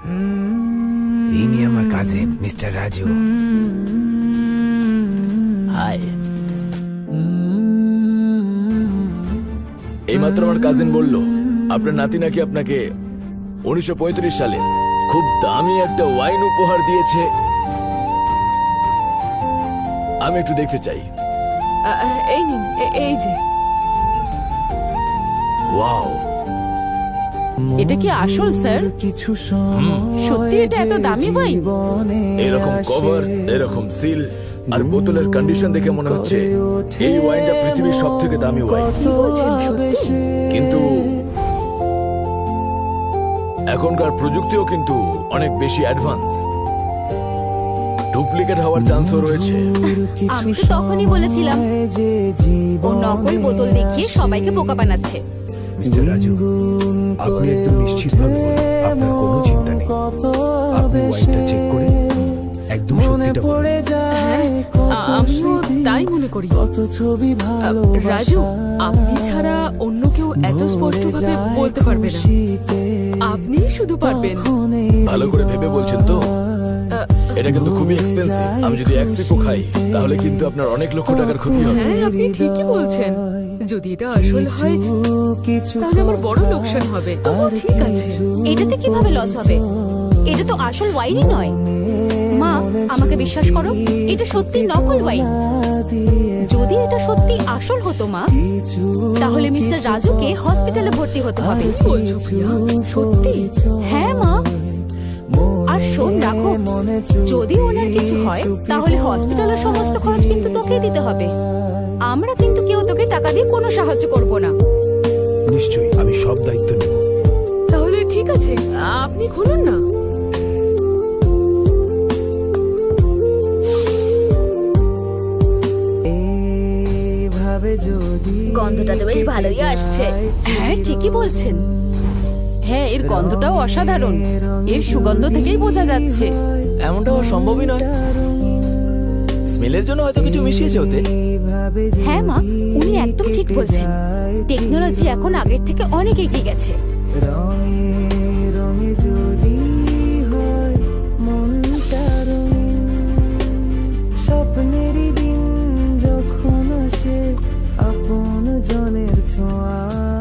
ইনি আমার cousin mister Raju. High. এইমাত্র আমার কাজিন বলল আপনার নাতি নাকি আপনাকে 1935 সালে খুব দামি একটা ওয়াইন উপহার দিয়েছে। আমি একটু দেখতে চাই। এই নিন, এই যে। ওয়াও, এটা কি আসল স্যার? সত্যি এটা এত দামি ওয়াইন? এরকম কভার, এরকম সিল আর বোতলের কন্ডিশন দেখে মনে হচ্ছে এই ওয়াইনটা পৃথিবীর সবথেকে দামি ওয়াইন। কি বলছেন, সত্যি? কিন্তু এখনকার প্রযুক্তিও কিন্তু অনেক বেশি অ্যাডভান্স, ডুপ্লিকেট হওয়ার চান্সও রয়েছে। আমি তো তখনই বলেছিলাম ও নকল বোতল দেখিয়ে সবাইকে বোকা বানাচ্ছে। মিস্টার রাজু, আপনি একদম নিশ্চিতভাবে বলুন, আপনার কোনো চিন্তা নেই। আপনি ওয়াইনটা চেক করে একদম সত্যিটা বলুন। হ্যাঁ, আমিও তাই মনে করি। রাজু, আপনি ছাড়া অন্য কেউ এত স্পষ্টভাবে বলতে পারবে না। আপনিই শুধু পারবেন। ভালো করে ভেবে বলছেন তো? এটা কিন্তু খুবই এক্সপেন্সিভ। আমি যদি এক সিপও খাই তাহলে কিন্তু আপনার অনেক লক্ষ টাকার ক্ষতি হবে। হ্যাঁ, আপনি ঠিকই বলছেন। যদি এটা আসল হয় তাহলে আমার বড় লোকসান হবে। তবু ঠিক আছে। এটাতে কিভাবে লস হবে? এটা তো আসল ওয়াইনই নয়। মা, আমাকে বিশ্বাস করো, এটা সত্যি নকল ওয়াইন। যদি এটা সত্যি আসল হতো মা, তাহলে মিস্টার রাজুকে হসপিটালে ভর্তি হতে হবে। কি বলছো প্রিয়া? সত্যি? হ্যাঁ মা। আর শোন রাখো, যদি ওনার কিছু হয় তাহলে হসপিটালের সমস্ত খরচ কিন্তু তোকেই দিতে হবে। আমরা কিন্তু কেউ তোকে টাকা দিয়ে কোনো সাহায্য করব না। নিশ্চয়ই, আমি সব দায়িত্ব নেব। তাহলে ঠিক আছে, আপনি খুলুন না। গন্ধটা তো বেশ ভালোই আসছে। হ্যাঁ, ঠিকই বলছেন। হ্যাঁ, এর গন্ধটাও অসাধারণ। এর সুগন্ধ থেকেই বোঝা যাচ্ছে। এমনটা হওয়া সম্ভবই নয়। স্মেলের জন্য হয়তো কিছু মিশিয়েছে ওতে। হ্যাঁ মা, উনি একদম ঠিক বলছেন। টেকনোলজি এখন আগের থেকে অনেক এগিয়ে গেছে। স্বপ্নেরই দিন যখন আসে, আপন জনের ছোঁয়া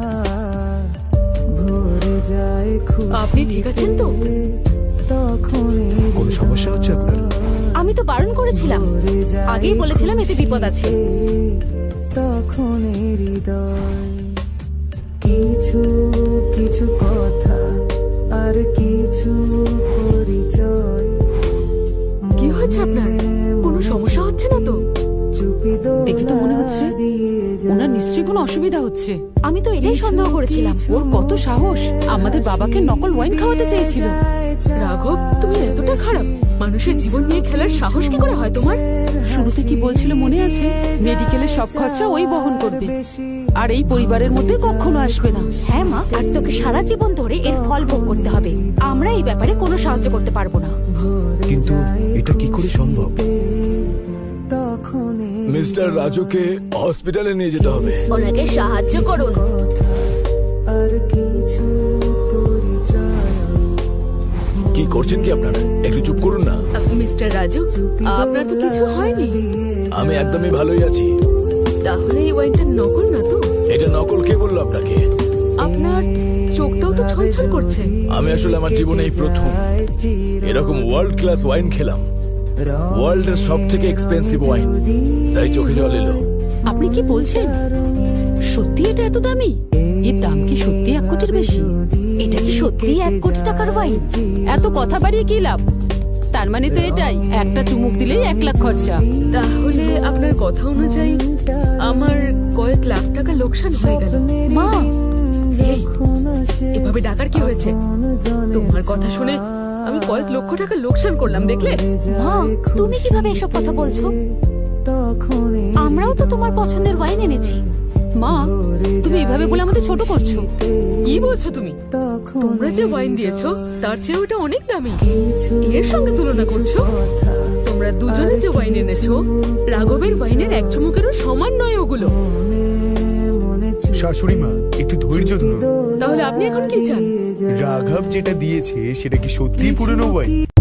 ভরে যায় খুশিতে। আপনি ঠিক আছেন তো? তখনই কোনো সমস্যা হচ্ছে আপনার? আমি তো বারণ করেছিলাম, আগেই বলেছিলাম এতে বিপদ আছে। তখন হৃদয় কিছু কিছু কথা আর কিছু পরিচয়। কি হয়েছে আপনার? কোনো সমস্যা হচ্ছে না তো? দেখে তো মনে হচ্ছে ওনার নিশ্চয়ই কোনো অসুবিধা হচ্ছে। আমি তো এটাই সন্দেহ করেছিলাম। ওর কত সাহস! আমাদের বাবাকে নকল ওয়াইন খাওয়াতে চেয়েছিল। রাঘব, তুমি এতটা খারাপ? মানুষের জীবন নিয়ে খেলার সাহস কি করে হয় তোমার? শুরুতে কি বলছিল মনে আছে? মেডিকেলের সব খরচা ওই বহন করবে, আর এই পরিবারের মধ্যে কখনো আসবে না। হ্যাঁ মা, আর তোকে সারা জীবন ধরে এর ফল ভোগ করতে হবে। আমরা এই ব্যাপারে কোনো সাহায্য করতে পারবো না। কিন্তু এটা কি করে সম্ভব? মিস্টার রাজুকে হসপিটালে নিয়ে যেতে হবে। ওনাকে সাহায্য করুন। আর কিছু পরিচয়। কি করছেন কি আপনারা? একটু চুপ করুন না। মিস্টার রাজু, আপনার তো কিছু হয়নি? আমি একদমই ভালোই আছি। তাহলে এই ওয়াইনটা নকল না তো? এটা নকল কে বললো আপনাকে? আপনার চোখটাও তো ছলছল করছে। আমি আসলে আমার জীবনে এই প্রথম এরকম ওয়ার্ল্ড ক্লাস ওয়াইন খেলাম। ওয়ার্ল্ডের সব থেকে এক্সপেন্সিভ ওয়াইন, তাই চোখে জল এলো। আপনি কি বলছেন? সত্যি এটা এত দামি? এর দাম কি সত্যি 1 কোটির বেশি? এটা কি সত্যি 1 কোটি টাকার ওয়াইন? এত কথা বাড়িয়ে কি লাভ? তার মানে তো এটাই, একটা চুমুক দিলেই 1 লাখ খরচা। তাহলে আপনার কথা অনুযায়ী আমার কয়েক লাখ টাকা লোকসান হয়ে গেল। মা, এই, এভাবে ডাকার কি হয়েছে? তোমার কথা শুনে আমি কয়েক লক্ষ টাকা লোকসান করলাম, দেখলে? মা, তুমি কিভাবে এসব কথা বলছো? আমরাও তো তোমার পছন্দের ওয়াইন এনেছি। মা, তুমি এভাবে বলে আমাদের ছোট করছো। কি বলছো তুমি? তোমরা যে ওয়াইন দিয়েছো তার চেয়ে ওটা অনেক দামি। এর সঙ্গে তুলনা করছো? তোমরা দুজনে যে ওয়াইন এনেছো, রাঘবের ওয়াইনের 1 চুমুকেরও সমান নয় ওগুলো। শাশুড়ি মা একটু ধৈর্য ধরুন। তাহলে আপনি এখন কি চান? রাঘব যেটা দিয়েছে সেটা কি সত্যিই পুরনো ওয়াইন?